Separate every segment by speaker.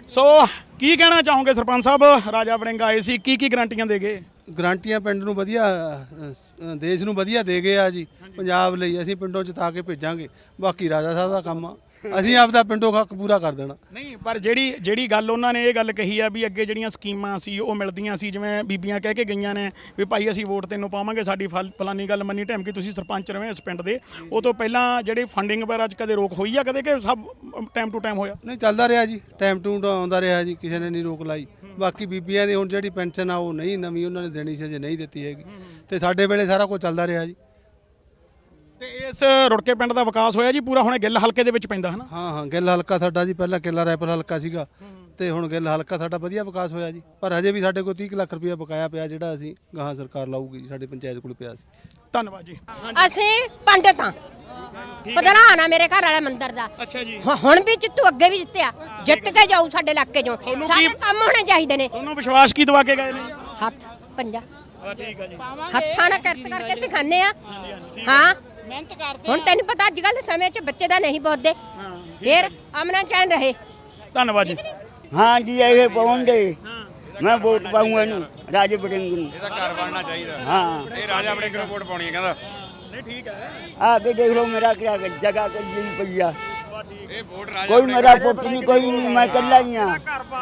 Speaker 1: ਸੋ ਕੀ ਕਹਿਣਾ ਚਾਹੋਗੇ ਸਰਪੰਚ ਸਾਹਿਬ, ਰਾਜਾ ਵੜਿੰਗ ਆਏ ਸੀ, ਕੀ ਗਰੰਟੀਆਂ ਦੇ ਗਏ?
Speaker 2: ਗਰੰਟੀਆਂ ਪਿੰਡ ਨੂੰ ਵਧੀਆ, ਦੇਸ਼ ਨੂੰ ਵਧੀਆ ਦੇ ਗਏ ਆ ਜੀ। ਪੰਜਾਬ ਲਈ ਅਸੀਂ ਪਿੰਡੋਂ ਜਿਤਾ ਕੇ ਭੇਜਾਂਗੇ, ਬਾਕੀ ਰਾਜਾ ਸਾਹਿਬ ਦਾ ਕੰਮ ਆ, ਅਸੀਂ ਆਪਦਾ ਪਿੰਡੋਂ ਹੱਕ ਪੂਰਾ ਕਰ ਦੇਣਾ।
Speaker 1: ਨਹੀਂ, ਪਰ ਜਿਹੜੀ ਗੱਲ ਉਹਨਾਂ ਨੇ ਇਹ ਗੱਲ ਕਹੀ ਆ ਵੀ ਅੱਗੇ ਜਿਹੜੀਆਂ ਸਕੀਮਾਂ ਸੀ ਉਹ ਮਿਲਦੀਆਂ ਸੀ, ਜਿਵੇਂ ਬੀਬੀਆਂ ਕਹਿ ਕੇ ਗਈਆਂ ਨੇ ਵੀ ਭਾਈ ਅਸੀਂ ਵੋਟ ਤੈਨੂੰ ਪਾਵਾਂਗੇ, ਸਾਡੀ ਫਲਾਨੀ ਗੱਲ ਮੰਨੀ ਢੈਮ ਕਿ ਤੁਸੀਂ ਸਰਪੰਚ ਰਹੇ ਇਸ ਪਿੰਡ ਦੇ, ਉਹ ਤੋਂ ਪਹਿਲਾਂ ਜਿਹੜੀ ਫੰਡਿੰਗ ਵਗੈਰਾ 'ਚ ਕਦੇ ਰੋਕ ਹੋਈ ਆ ਕਦੇ, ਕਿ ਸਭ ਟਾਈਮ ਟੂ ਟਾਈਮ ਹੋਇਆ?
Speaker 2: ਨਹੀਂ, ਚੱਲਦਾ ਰਿਹਾ ਜੀ, ਟਾਈਮ ਟੂ ਆਉਂਦਾ ਰਿਹਾ ਜੀ, ਕਿਸੇ ਨੇ ਨਹੀਂ ਰੋਕ ਲਾਈ। ਬਾਕੀ ਬੀਬੀਆਂ ਦੀ ਹੁਣ ਜਿਹੜੀ ਪੈਨਸ਼ਨ ਆ ਉਹ ਨਹੀਂ ਨਵੀਂ ਉਹਨਾਂ ਨੇ ਦੇਣੀ ਸੀ, ਅਜੇ ਨਹੀਂ ਦਿੱਤੀ ਹੈਗੀ, ਤੇ ਸਾਡੇ ਵੇਲੇ ਸਾਰਾ ਕੁਝ ਚੱਲਦਾ ਰਿਹਾ ਜੀ।
Speaker 1: ਤੇ ਇਸ ਰੁੜਕੇ ਪਿੰਡ ਦਾ ਵਿਕਾਸ ਹੋਇਆ ਜੀ ਪੂਰਾ? ਹੁਣ ਗਿੱਲ ਹਲਕੇ ਦੇ ਵਿੱਚ ਪੈਂਦਾ ਹੈ ਨਾ?
Speaker 2: ਹਾਂ, ਗਿੱਲ ਹਲਕਾ ਸਾਡਾ ਜੀ, ਪਹਿਲਾਂ ਕਿੱਲਾ ਰੈਪਰ ਹਲਕਾ ਸੀਗਾ, ਤੇ ਹੁਣ ਗਿੱਲ ਹਲਕਾ ਸਾਡਾ ਵਧੀਆ ਵਿਕਾਸ ਹੋਇਆ ਜੀ। ਪਰ ਹਜੇ ਵੀ ਸਾਡੇ ਕੋਲ 30 ਲੱਖ ਰੁਪਇਆ ਬਕਾਇਆ ਪਿਆ, ਜਿਹੜਾ ਅਸੀਂ ਗਾਹਾਂ ਸਰਕਾਰ ਲਾਊਗੀ ਜੀ, ਸਾਡੇ ਪੰਚਾਇਤ ਕੋਲ ਪਿਆ ਸੀ।
Speaker 1: ਧੰਨਵਾਦ ਜੀ।
Speaker 3: ਅਸੀਂ ਪੰਡਤ ਹਾਂ, ਪ੍ਰਧਾਨ ਆ ਮੇਰੇ ਘਰ ਵਾਲੇ ਮੰਦਿਰ ਦਾ।
Speaker 1: ਅੱਛਾ ਜੀ।
Speaker 3: ਹੁਣ ਵੀ ਜਿੱਤੂ, ਅੱਗੇ ਵੀ ਜਿੱਤਿਆ, ਜਿੱਤ ਕੇ ਜਾਊ ਸਾਡੇ ਇਲਾਕੇ ਚੋਂ। ਸਾਰੇ ਕੰਮ ਹੋਣੇ ਚਾਹੀਦੇ ਨੇ।
Speaker 1: ਤੁਹਾਨੂੰ ਵਿਸ਼ਵਾਸ ਕੀ ਦਵਾ ਕੇ ਗਏ ਨੇ?
Speaker 3: ਹੱਥ ਪੰਜਾ
Speaker 1: ਠੀਕ ਹੈ ਜੀ।
Speaker 3: ਹੱਥਾਂ ਨਾਲ ਕਿਰਤ ਕਰਕੇ ਸਿਖਾਉਂਦੇ ਆ। ਹਾਂ, ਮਿਹਨਤ ਕਰਦੇ। ਹੁਣ ਤੈਨੂੰ ਪਤਾ ਅੱਜ ਕੱਲ ਸਮੇਂ 'ਚ ਬੱਚੇ ਦਾ ਨਹੀਂ ਪੁੱਛਦੇ, ਫਿਰ ਅਮਨਾ ਚੈਨ ਰਹੇ।
Speaker 1: ਧੰਨਵਾਦ ਜੀ।
Speaker 4: हाँ जी, ये पाऊंगे मैं वोट पाऊंगा इनू राजा वड़िंग नू।
Speaker 5: ਇਹਦਾ ਘਰ ਬਣਨਾ ਚਾਹੀਦਾ।
Speaker 4: हाँ,
Speaker 5: ਇਹ ਰਾਜਾ ਵੜਿੰਗ ਨੂੰ ਵੋਟ ਪਾਉਣੀ ਹੈ ਕਹਿੰਦਾ।
Speaker 1: ਨਹੀਂ ਠੀਕ ਹੈ।
Speaker 4: आगे देख लो मेरा क्या जगह कोई नहीं पैया,
Speaker 5: ਇਹ ਵੋਟ ਰਾਜਾ
Speaker 4: कोई मेरा पुत नहीं, कोई नहीं, मैं कल्ला ही हाँ।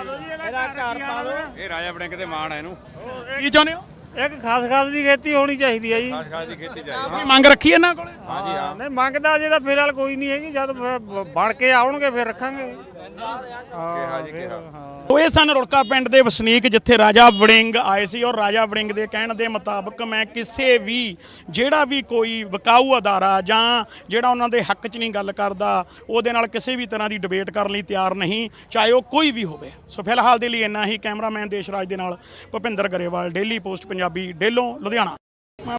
Speaker 5: ਇਹ ਰਾਜਾ ਵੜਿੰਗ ਤੇ ਮਾਣ ਹੈ ਇਹਨੂੰ।
Speaker 1: ਕੀ ਚਾਹੁੰਦੇ ਹੋ?
Speaker 6: ਇੱਕ ਖਾਸ ਦੀ ਖੇਤੀ ਹੋਣੀ ਚਾਹੀਦੀ ਹੈ ਜੀ।
Speaker 5: ਖਾਸ ਦੀ ਖੇਤੀ ਚਾਹੀਦੀ।
Speaker 1: ਤੁਸੀਂ ਮੰਗ ਰੱਖੀ ਇਹਨਾਂ ਕੋਲੇ?
Speaker 5: ਹਾਂਜੀ ਹਾਂ।
Speaker 6: ਨਹੀਂ ਮੰਗਦਾ ਜੇ ਤਾਂ ਫਿਲਹਾਲ ਕੋਈ ਨਹੀਂ ਹੈਗੀ, ਜਦ ਬਣ ਕੇ ਆਉਣਗੇ ਫਿਰ ਰੱਖਾਂਗੇ।
Speaker 5: ਕਿਹਾ ਜੀ ਕਿਹਾ।
Speaker 1: ਉਹ ਇਹ ਸਨ ਰੁੜਕਾ ਪਿੰਡ ਦੇ ਵਸਨੀਕ, ਜਿੱਥੇ ਰਾਜਾ ਵੜਿੰਗ ਆਏ ਸੀ, ਔਰ ਰਾਜਾ ਵੜਿੰਗ ਦੇ ਕਹਿਣ ਦੇ ਮੁਤਾਬਕ ਮੈਂ ਕਿਸੇ ਵੀ ਜਿਹੜਾ ਵੀ ਕੋਈ ਵਿਕਾਊ ਅਦਾਰਾ ਜਾਂ ਜਿਹੜਾ ਉਹਨਾਂ ਦੇ ਹੱਕ 'ਚ ਨਹੀਂ ਗੱਲ ਕਰਦਾ, ਉਹਦੇ ਨਾਲ ਕਿਸੇ ਵੀ ਤਰ੍ਹਾਂ ਦੀ ਡਿਬੇਟ ਕਰਨ ਲਈ ਤਿਆਰ ਨਹੀਂ, ਚਾਹੇ ਉਹ ਕੋਈ ਵੀ ਹੋਵੇ। ਸੋ ਫਿਲਹਾਲ ਦੇ ਲਈ ਇੰਨਾ ਹੀ। ਕੈਮਰਾਮੈਨ ਦੇਸ਼ਰਾਜ ਦੇ ਨਾਲ ਭੁਪਿੰਦਰ ਗਰੇਵਾਲ, ਡੇਲੀ ਪੋਸਟ ਪੰਜਾਬੀ, ਡੇਲੋਂ, ਲੁਧਿਆਣਾ।